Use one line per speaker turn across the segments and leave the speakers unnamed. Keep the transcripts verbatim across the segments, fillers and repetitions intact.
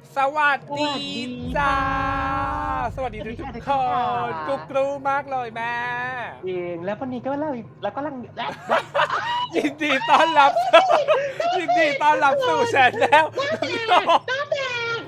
สวัสดีจ้าสวัสดีทุกทุกคนกุ๊กรูมากเลยแม่
เองแล้ววันนี้ก็เราแล้วก็ลังและ
ยินดีต้อนรับยินดีต้อนรับสู่แชนแนล
น้ำแดง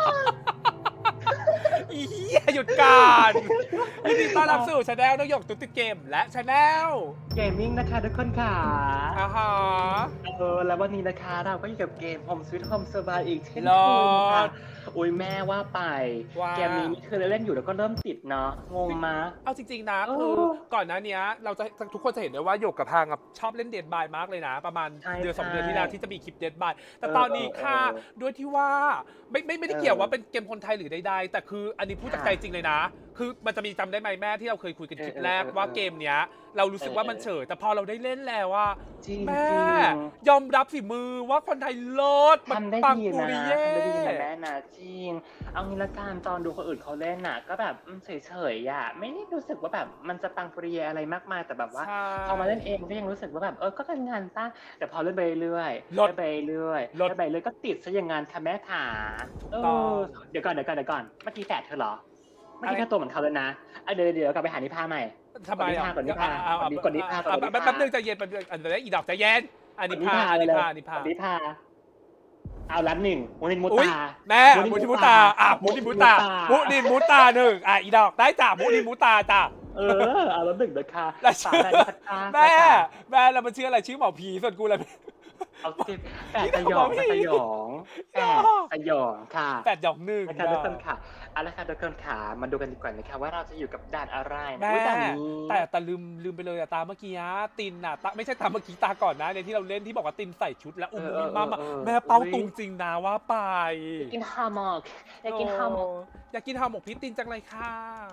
อีเหี้ยหยุดการยินดีต้อนรับสู่แชนแนลนกหยกตุ๊กเกมและแชนแนล
เกมมิ่งนะคะทุกคนค่ะ
อ่าฮะ
เออแล้ววันนี้นะคะเราก็อยู่กับเกม Home Sweet Home สบายอีกเช่นเคยค่ะโอ้ยแม่ว่าไปเกมนี้นี่คือเล่นอยู่แล้วก็เริ่มติดเนาะงงมา
เอาจริงๆนะคือก่อนหน้านี้เราจะทุกคนจะเห็นได้ว่าหยกกับทางชอบเล่นเดดบายมากเลยนะประมาณเดือนสองเดือนที่แล้วที่จะมีคลิปเดดบายแต่ตอนนี้ค่ะด้วยที่ว่าไม่ไม่ไม่ได้เกี่ยวว่าเป็นเกมคนไทยหรือใดๆแต่คืออันนี้พูดจากใจจริงเลยนะคือมันจะมีจำได้ไหมแม่ที่เราเคยคุยกันคลิปแรกว่าเกมเนี้ยเรารู้สึกว่ามันเฉยแต่พอเราได้เล่นแล้วว่าแม่ยอมรับฝีมือว่าคนไทยเลิศ
ทำได้ดีนะทำได้ดีนะแม่นะจริงเอางี้ละกันตอนดูคนอื่นเขาเล่นน่ะก็แบบเฉยๆอ่ะไม่ได้รู้สึกว่าแบบมันจะปังปรีอะไรมากมายแต่แบบว่าพอมาเล่นเองก็ยังรู้สึกว่าแบบเออก็เป็นงานสร้างแต่พอเล่นไปเรื่อยเล่นไปเรื่อยเล่นไปเรื่อยก็ติดซะอย่างงานค่ะแม่ขาเออเดี๋ยวก่อนเดี๋ยวก่อนเดี๋ยวก่อนเมื่อกี้แฝดเธอเหรอเมื่อกี้แค่ตัวเหมือนเขาเลยนะเดี๋ยวเดี๋ยวกลับไปหานิพาใหม่
ทำไมอ่ะ
กดนิพากดนิพากดนิพา
แป๊บนึงใจเย็นแป๊บนึงอันนี้อีดอกใจเย็นอันนี้พาอันนี้พาอันนี้พา
อันนี้พาเอาล้านหนึ่งมูนินมุตา
แม่มูนินมุตาอ่ะมูนินมุตามูนินมุตาหนึ่งอ่ะอีดอกได้จ้ะมูนินมุตาจ้ะ
เออเอาล้านหนึ่งเด้อค่ะ
แม่แม่เรามันชื่ออะไรชื่อหมอผีส่วนกูอะไร
เอาเจ็บแปดสยองสยองแปดสยองค่ะ
แปดหยองหนึ่ง
นะคะทุกคนค่ะเอาละค่ะทุกคนค่ะมาดูกันดีกว่านะคะว่าเราจะอยู่กับด่านอะไร
แม่แต่แต่ลืมลืมไปเลยอะตาเมื่อกี้ตินอะตาไม่ใช่ตาเมื่อกี้ตาก่อนนะในที่เราเล่นที่บอกว่าตินใส่ชุดแล้วอุ้มอุ้มมาแม่เป้าตุงจริงนะว่าไป
กินฮาหมกอยากกินฮาหมก
อยากกินฮาหมกพี่ตินจังเลยค่ะ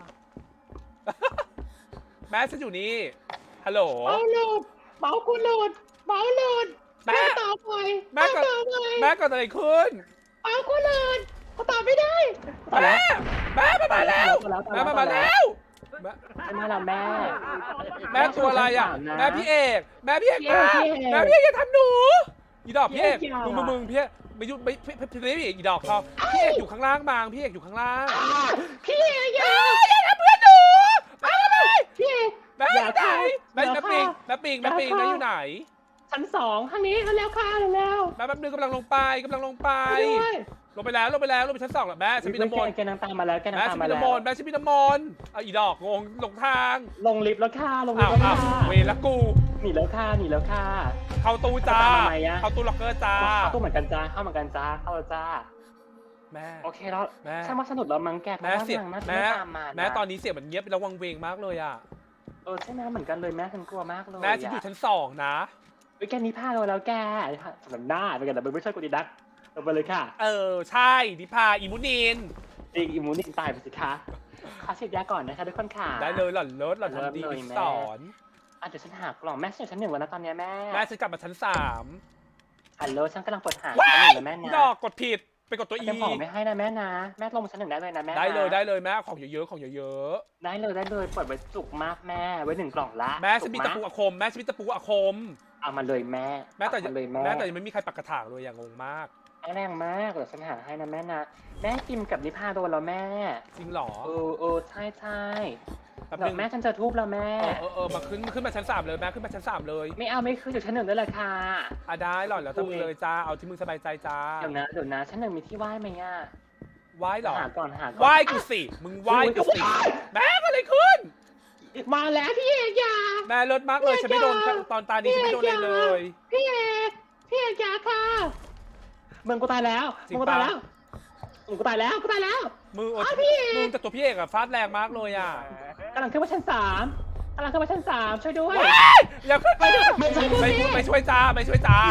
แม่ฉันอยู่นี่ฮัลโหล
เมาหลุดเมากูหลุดเมาหลุด
แม่
ตอบไป
แม่ก็แม่ก็อะไรขึ้น
เมากูหลุดเขาตอบไม่ได้
แม่แม่มามาแล้วแม่มามาแล้ว
แม่เราแม่
แม่ตัวอะไรอ่ะแม่พี่เอกแม่พี่เอกแม่พี่เอกอย่าทำหนูอีดอกพี่เอกมึงมึงมึงพี่ไม่ยุไม่พี่พี่เอกอีดอกเขาพี่เอกอยู่ข้างล่างบางพี่เอกอยู่ข้างล่าง
พี่เอกอย่า
อย่าทำเพื่อนหนูแม่ทำไม
พี่เอก
แม่อยู่ไหนแม่แม่ปิงแม่ปิงแม่ปิงแม่อยู่ไหน
ชั้นสองข้างนี้แล้วค่ะแล้ว
แม่แป๊บนึงกำลังลงไปกำลังลงไปลงไปแล้วลงไปแล้วลงไปชั้นสองแล้วแม่ฉันมีน้ำมนต์
แกนางตามมาแล้วแกนางตามมา
แล้วแม่ฉันมีน้ำมนต์แม่ฉันมีน้ำมนต์เอาอีดอกงงหลงทาง
ลงลิฟต์แล้วค่ะลงลิฟต์แล้วค่ะ
เวละกู
หนีแล้วค่ะหนีแล้วค่ะ
เข้าตู้จ้าเข้าตู้ล็อกเกอร์จ้า
เข้าตู้เหมือนกันจ้าเข้าเหมือนกันจ้าเข้าจ้า
แม่
โอเคแล้วแม่ช่างมาสนุกแล้วมั้งแก
แม่เสียงแม่แม่ตอนนี้เสียงมันเงียบแล้ววังเวงมากเลยอ่ะ
เออใช่ไหมเหมือนกันเลยแม่ฉันกลัวมากเลย
แม่ฉันอยู่ชั้นสองนะ
ไอ้แกนี้พาเราแล้วแกสำหรับหน้าเป็นกันแต่ไม่ใช่กูดีดักเราไปเลยค่ะ
เออใช่ดิพาอิมูนิน
อีอิมูนินตายไปสิคะขอฉีดยาก่อนนะคะทุกคนค่ะ
ได้เลยหล่อนเลิศหล่อนทำดีสอน
อ่ะเดี๋ยวฉันหากล่องแม่ฉันอยู่ชั้นหนึ่งแล้วนะตอนนี้แม่
แม่ฉันกลับมาชั้นสาม
ฮัลโหลฉันกำลังเปิดหาชั้นหนึ่งแล้วแม่นะ
ดอกกดผิดไปกดตัวอี
จะบอกไม่ให้นะแม่นะแม่ลงชั้นหนึ่งได้เลยนะแม่
ได้เลยได้เลยแม่ของเยอะๆของเยอะ
ๆได้เลยได้เลยเปิดไว้จุกมากแม่ไว้หนึ่งกล่องละ
แม่ฉันมีตะปูอาคมแม่ฉันมีตะปูอาคม
เอามาเลยแม่
แม่แต่เลยแม่แต่ยังไม่มีใครปักกระถางเลยอย่างงงมาก
แรงมากเดี๋ยวฉันหาให้นะแม่นะแม่กิมกับนิพาโดนแล้วแม่
จริงหรอ
เออเออใช่ใช่แบบแม่ฉันจะทุบแล้วแม่
เออเออมาขึ้นขึ้นมาชั้นสามเลยแม่ขึ้นมาชั้นสามเลย
ไม่เอาไม่ขึ้นอยู่ชั้นหนึ่งได้เลยค่ะ
อ่ะได้หรอแล้วแต่มึงเลยจ้าเอาที่มึงสบายใจจ้า
เดี๋ยวนะเดี๋ยวนะชั้นหนึ่งมีที่ไหว้ไหมอ่ะ
ไหว้หรอ
หาก่อนหา
ไหว้กูสิมึงไหว้กูสิแม่ก็เลยขึ้น
มาแล้วพี่เอกยา
แม่เลิศมากเลยฉันไม่โดนตอนตานี้ฉันไม่โดนเลยเลย
พี่เอกพี่เอกยาค่ะมึงกูตายแล้วมึงกูตายแล้วมึงกูตายแล้วกูตายแล้ว
มือมึงแต่ตัวพี่เอกอะฟาดแรงมากเลยอะ
กำลังขึ้นมาชั้นสามกำลังขึ้นมาชั้นสามช่วยด้วย
อย่าขึ้นไปไม่ไม่ไม่ช่วยจ้าไม่ช่วยจ้า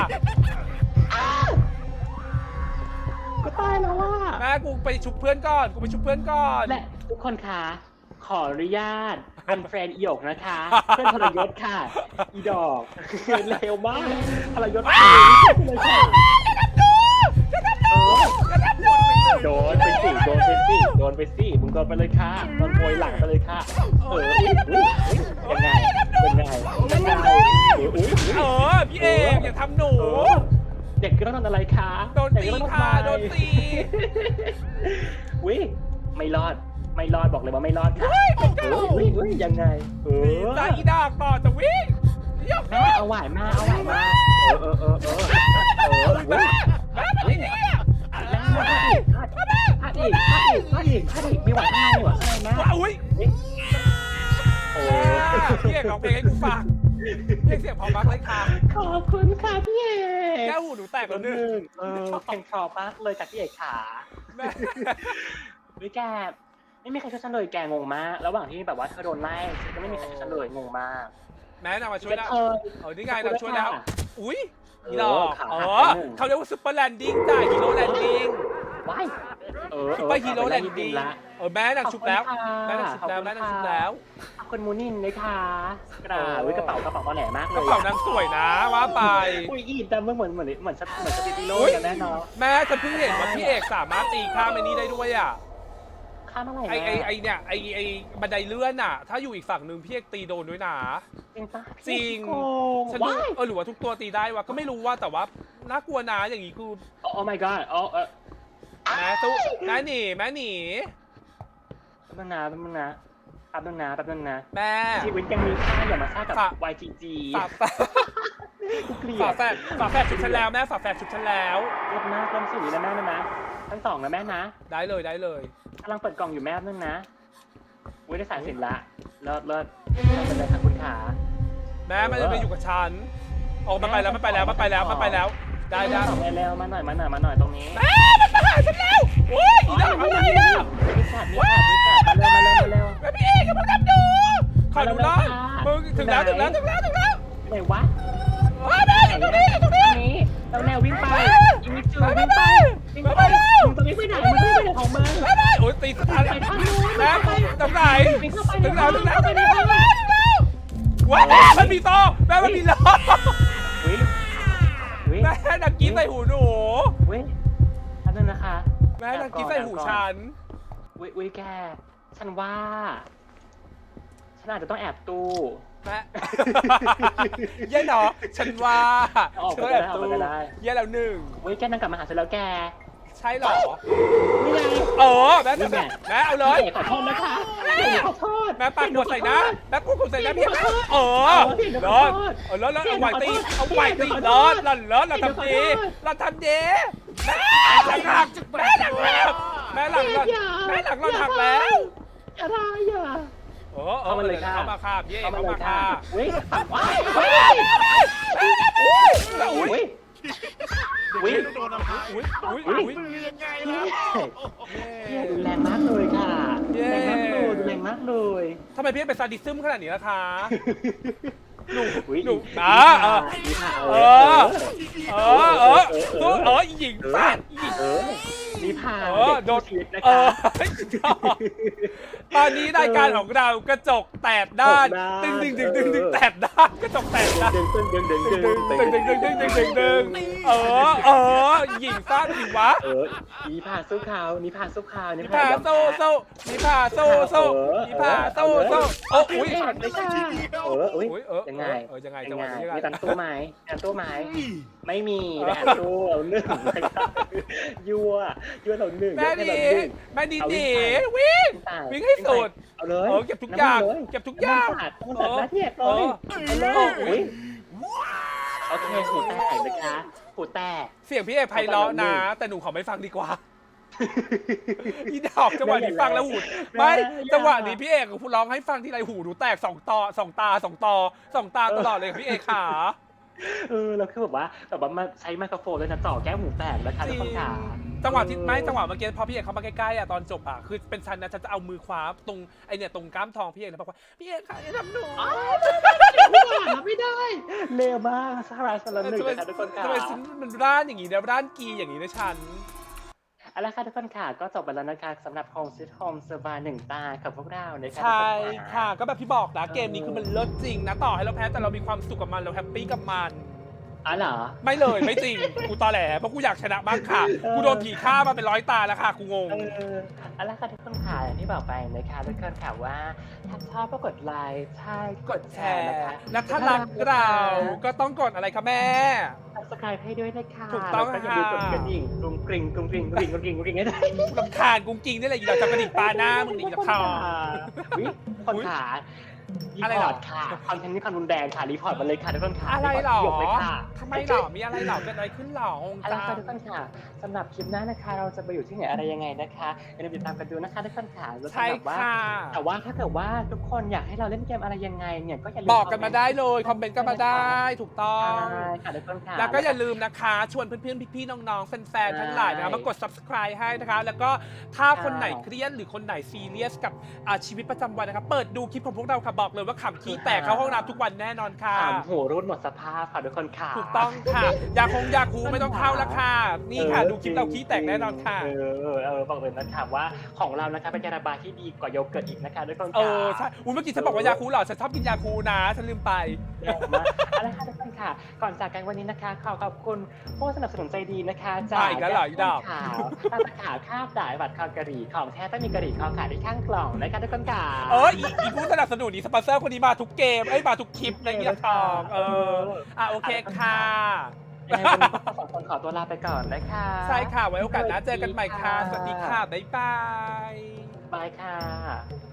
กูตายแล้วว่ะ
แม่กูไปชุบเพื่อนก่อนกูไปชุบเพื่อนก่อน
และทุกคนคะขออนุญาตอันแฟนอีหยกนะคะเพื่อนทรยศค่ะอีดอกเร็วมากทรยศเลยค่ะโดนไปสิโดนไปสิโดนไปสิมึงโดนไปเลยค่ะโดนโวยหลังไปเลยค่ะเออยังไงยังไงยังไง
เออพี่เอกอย่าทำหนู
เด็กก็ต้องโดนอะไรคะ
โดนตีค่ะโดนตี
วิไม่รอดไม่รอดบอกเลยว่าไม่รอดค่ะวิวิยังไงเอ
หนี
อ
ใจอีดากต่อจะวิ่งยก
แม่เอาไหวมาเอาไหวมาเออเออเออเออเออวิ
แม่มาดิเนี่ย
แม่มาอีกพลาดอีกพลาดอีกพลาดอีกพลาดอีกไม่ไหวข้างในหรอข้างในแม่
ว้าอุ้ย
โอ้
พี่เอกร้องเพลงให้กูฟังพี่เอกเสียงพอมากเลยค่ะ
ขอบคุณค่ะพี่เอก
แก้วหูหนูแตกแล้วหนึ่ง
เออเพลงเพราะมากเลยจากพี่เอกขา
แม่
วิแกไม่มีใครช่วยฉันเลยแกงงมากระหว่างที่แบบว่าเธอโดนไล่ฉันก็ไม่มีใครช่วยฉันเลยงงมาก
แม่นำมาช่วยแล้ว
เธอ
เออนี่ไงเราช่วยแล้ว อุ้ย
เออ
นี่หรอก
ขา
อ๋อ
หักไปหนึ่ง
เขาเรียกว่าซุปเปอร์แลนดิ้งจ้ะฮีโร่แลนดิ้ง
ว้ายเออ
ซุปเปอร์ฮีโร่แลนดิ้ง
ละ
เออแม่นางชุบแล้วแม่นางชุบแล้วแม่นางชุบแล้ว
ขอบคุณมูนินเลยค่ะกระดาษวิกระเป๋ากระเป๋าตอแหลมากเลย
กระเป๋านางสวยนะว่าไป
อุ้ยอีแต่เมื่อเหมือนเหมือนเหมือนเหมือนสปิริโลกันแน่นอน
แม่ฉันเพิ่งเห็นว่าพี่เอกสามารถตีข้ามไอ้นี้ได้ด้วยอ่ะ
ข้ามอะไร
ไอไอไอเนี่ยไอไอบันไดเลื่อนอ่ะ ถ้าอยู่อีกฝั่งหนึ่งพี่เอกตีโดนด้วยนะ
จริงปะ
จริง
โกง
ฉันดู
ว้าย
เออหรือว่าทุกตัวตีได้วะก็ไม่รู้ว่าแต่ว่าน่ากลัวนะอย่างนี้คือ
โอ้ my god อ๋อเออ
แม่ตู้แม่หนีแม่หนี
แป๊บนึงนะแป๊บนึงนะแป๊บนึงนะแป๊บนึงนะ
แม่
ชีวิตยังมีค่าอย่ามาฆ่ากับ
ฝาก
วาย จี จี
ฝาแฝด
กูเกลีย
ฝา
ด
แฝดฝาแฝดชุดฉันแล้วแม่ฝาแฝดชุดฉันแล้ว
เริ่มหน้าเริ่มสีนะแม่นะนะทั้งสองนะแม่นะ
ได้เลยได้เลย
กำลังเปิดกล่องอยู่แม่นึงนะอุ้ยได้สายสินละเลิศเลิศเลิศเลยค่ะคุณขา
แม่มันจะไปอยู่กับฉันออกมาไปแล้วมันไปแล้วมันไปแล้วมันไปแล้ว ได้ได้
สองเร็วๆมาหน่อยมาหน่อยมาหน่อยตรงนี้
แม่มันมาหาฉันแล้วโอ้ยอีดอกอะไรอ่ะ
มีขาดมีขาดมีขาดมาเร็วมาเร็วมาเร็ว
แม่พี่เอกกำลังทำดูขอดูหน่อยมึงถึงแล้วถึงแล้วถึงแล้วถึงแล้ว
ไหนวะ
ว้าแม่อยู่ตรงนี้อยู่ตรงนี้
นี้แล้วแนววิ่งไปอีมิจูวิ่งไปวิ่งไปมึงจะวิ่งไปไหนมึงวิ่งไปไหนของมึง
แม่แม่โอ้ยตีสถาน
ไปทางนู้น
แม่ตรงไหน
วิ่งเข้าไป
ถึงแล้วถึงแล้ว
เข้าไป
ถึง
ใน
แล้ว
ห้อง
ว้าวมันมีต่อแม่มันมีล้อ
วิ่งวิ่ง
แม่นักกี้ใส่หูหนู
วิ่งท่านนึงนะคะ
แม่นักกี้ใส่หูฉัน
วิ่งวิ่งแกฉันว่าฉันอาจจะต้องแอบตู้
แม่เย่เนาะฉันว่า
ออก
เธ
ไป
อ
ได้
แอบ
ออก
ตู้
ไปได้
เย่แล้วหนึ่ง
วิ่งแกนั่งกลับมาหาฉันแล้วแก
ใช่เหรอ
นี่ไง
เออแม่แม่แม่เอาเลย
ขอโทษนะคะขอโทษ
แม่ปากหัวใส่นะแม่พูดหัวใส่นะพี่เออรอดเออแล้วแล้วเอาไหวตีเอาไหวตีรอดรอดรอดเราทำดีเราทำดีแม่หลังหักแม่หลังหักแม่หลังหลังแม่หลังหลังหักแล้ว
อะไรอ่ะ
เออเออมาเลยเข้ามาคาบเย่เข้ามาคาบ
วิ่งว้าย
อุ้ยอุ้ย
วิ่งวิ่ง
โดนอะไร
อุ้ยอุ้ย
อุ๊ย
อุ้ย
มือยังไงล่ะ
พี่ดูแรงมากเลยค่ะแรงมากเลยดูแรงมากเลย
ทำไมพี่เป็นซาดิซึมขนาดนี้ล่ะคะหนู
อุ๊ย
หนูนะเออ
เอ
เอ
อ
อ เออ เออตัวเออหญิงฟาดหญิง
เออนี่พา
เออโดน
ชีวิตนะ
เอ
คะ
อตอนนี้รายการของเรากระจกแตกด้าน
แตกด้าน
ดึงดึงดึงดึงดึงแตกด้านกระจกแตกด้าน
ดึงดึงดึงดึงดึง
ดึงดึงดึงดึงดึงดึงดึงเออ เออหญิงฟาดหญิงวะ
เออนี่พาสู้เขานี่พาสู้เขา
นิ
นี่
พาโซโซนิพาโซโซนิพาโซโซโอ้
อุ้
อุ้
ย
ย
เลยค่ะเอออุ้ย
อุ้ยเออ
ยังไง
เออยังไง
ยั
จัง
ง
ห
ไง
วะนี้ยังไง
มีตังตู้ไหมตังตู้ไหมไม่มีแต่แอบตู้เราหนึ่งยั่วยั่วเราหนึ่ง
แม่
ยั่ว
ดี
เราหนึ่ง
แม่ดี
เอาวิ่
ดี
งไป
วิ่ง
ตาย
วิ่งให้สุด
เอาเลย
เออเก็บทุกอย่าง
น้ำมันล
เก็บทุกอย่าง
น้ำมันสาดน้ำมันสาดหน้าเทียบเลยเอาเลยอุ้ยโอเคหูแตกนะคะหูแตก
เสียงพี่เอกไพเราะนะ แต่หนูขอไม่ฟังดีกว่า อีดอกจังหวะนี้ฟังแล้วหูไม่จังหวะนี้พี่เอกพูดร้องให้ฟังที่ไรหูหนูแตกสองต่อสองตาสองตอสองตาตลอดเลยพี่เอกขา
เออแล้วคือแบบว่าแบบว่ามาใช้ไมโครโฟนด้วยนะจ่อแก้วหูแตกแล้วค่ะทุกคนค่ะ
จังหวะที่ไม่จังหวะเมื่อกี้พอพี่เอกเข้ามาใกล้ๆอ่ะตอนจบอ่ะคือเป็นฉันนะฉันจะเอามือคว้าตรงไอเนี่ยตรงก้ามทองพี่เอกแล้วบอกว่าพี่เอกค่ะอย่าทำหนู
ไม่ได้เร็วมากสหรัฐสลันหนึ่งนะคะทุกคนค่ะ
ทำไมฉันมันร้านอย่างนี้เนี่ยร้านกีอย่างนี้นะฉัน
เอาละค่ะทุกคนค่ะก็จบไปแล้วนะคะสำหรับ Home Sweet Home เซอร์บาหนึ่งตากับพวกเรานะคะ
ใช่
ทุกน
ค่ะก็แบบที่บอกนะเกมนี้คือมันเลิศจริงนะต่อให้เราแพ้แต่เรามีความสุขกับมันเราแฮปปี้กับมัน
อ๋อเหรอ
ไม่เลยไม่จริงกูตอแหลเพราะกูอยากชนะบ้างค่ะ
เออ
กูโดนผีฆ่ามาเป็นร้อยตาแล้วค่ะกูงง
เออเอาละค่ะทุกคนค่ะอย่างที่บอกไปนะคะทุกคนค่ะว่าถ้าชอบก็กดไลค์ใช่กดแชร์นะคะ
และถ้ารักเราก็ต้องกดอะไรคะแม่
ซับสไครป์ให้ด้วยนะคะ
ถูกต้อง
แล้วก็อย่าลืมกด
ค่ะ
กระดิ่งกรุงกริงกรุงกริงกรุงกริงกรุงกริงกรุงกริงให้ด้วย
ลำคาญกุ้งกิ้งนี่แหละอีดอกจับกระดิกปลาหน้ามึงนี่อีดอกทอง
อุ๊ยคนขารี
อะไร
พ
หร
อ
อ
ร์ตค่ะคอนเทนต์นี้ความรุนแรงค่ะรีพอร์ตมาเลยค่ะทุกคนค่ะ
อะไรหรอ
ยกเลยค่ะ
ทำไมหรอมีอะไรหรอเกิดอะไรขึ้นหรออง
เอา
จั
ละค่ะ
ง
ทุกคนค่ะสำหรับคลิปหน้านะคะ เราจะไปอยู่ที่ไหนอะไรยังไงนะคะอย่าลืมติดตามกันดูนะคะทุกคนค่ะแล้ว
ใช่
สำหรับว่า
ค่ะ
แต่ว่าถ้าเกิดว่าทุกคนอยากให้เราเล่นเกมอะไรยังไงเนี่ยก็อย่าลืม
บอกกันมาได้เลยคอมเมนต์กันมาได้ถูกต้อง
ใช่ค่ะทุกคนค่ะ
แล้วก็อย่าลืมนะคะ ชวนเพื่อนๆ พี่ๆ น้องๆ แฟนๆ ทั้งหลายนะคะมากด subscribe ให้นะคะ แล้วก็ถ้าคนไหนเครียดหรือคนไหนซีเรียสกับอ่าชีวิตประจำวันนะคะ เปิดดูคลิปของพวกเราค่ะ บอกเลยว่าขำขี้แตกเข้าห้องน้ำทุกวันแน่นอนค่ะ
ถามหัวรุ่นหมดสภาพค่ะทุกคนค่ะ
ถูกต้องค่ะ ยาคงยาคูไม่ต้องเข้าแล้วค่ะ นี่ค่ะ ดูคลิปเราขี้แตกแน่นอนค่ะ
เออเออเออบอกเลยนะคะว่าของเรานะคะเป็นยาระบายที่ดีกว่าโยเกิร์ตอีกนะคะทุกคน
เอ
ค่ะ
อ ใช่อุ้ยเมื่อกี้ฉันบอกว่ายาคูเหรอ ฉันชอบกินยาคูนะ ฉันลืมไป
เยี่ยมมากเอาละค่ะทุกคนค่ะ ก่อนจากกันวันนี้นะคะ ขอขอบคุณผู้สนับสนุนใจดีนะคะจาก
มาอีกแล้วเหรออีดอก
ขาวตาตะขาวข้าวด่ายบัตรคอกะหรี่ของแท้ต้องมีกะหรี่คอขายที่ข้างกล่องนะคะทุกคนค่ะ
เอออีอีผู้สนับสนุนนี่สปอนเซอร์คนนี้มาทุกเกม เอ้ย มาทุกคลิปในเงียบทอง เออ อ่ะโอเคค่ะ
ยังไงวันนี้พวกเราสองคนขอตัวลาไปก่อนนะคะ
ใช่ค่ะ ไว้โอกาสหน้าเจอกันใหม่ค่ะ สวัสดีค่ะ บ๊ายบาย
บายค่ะ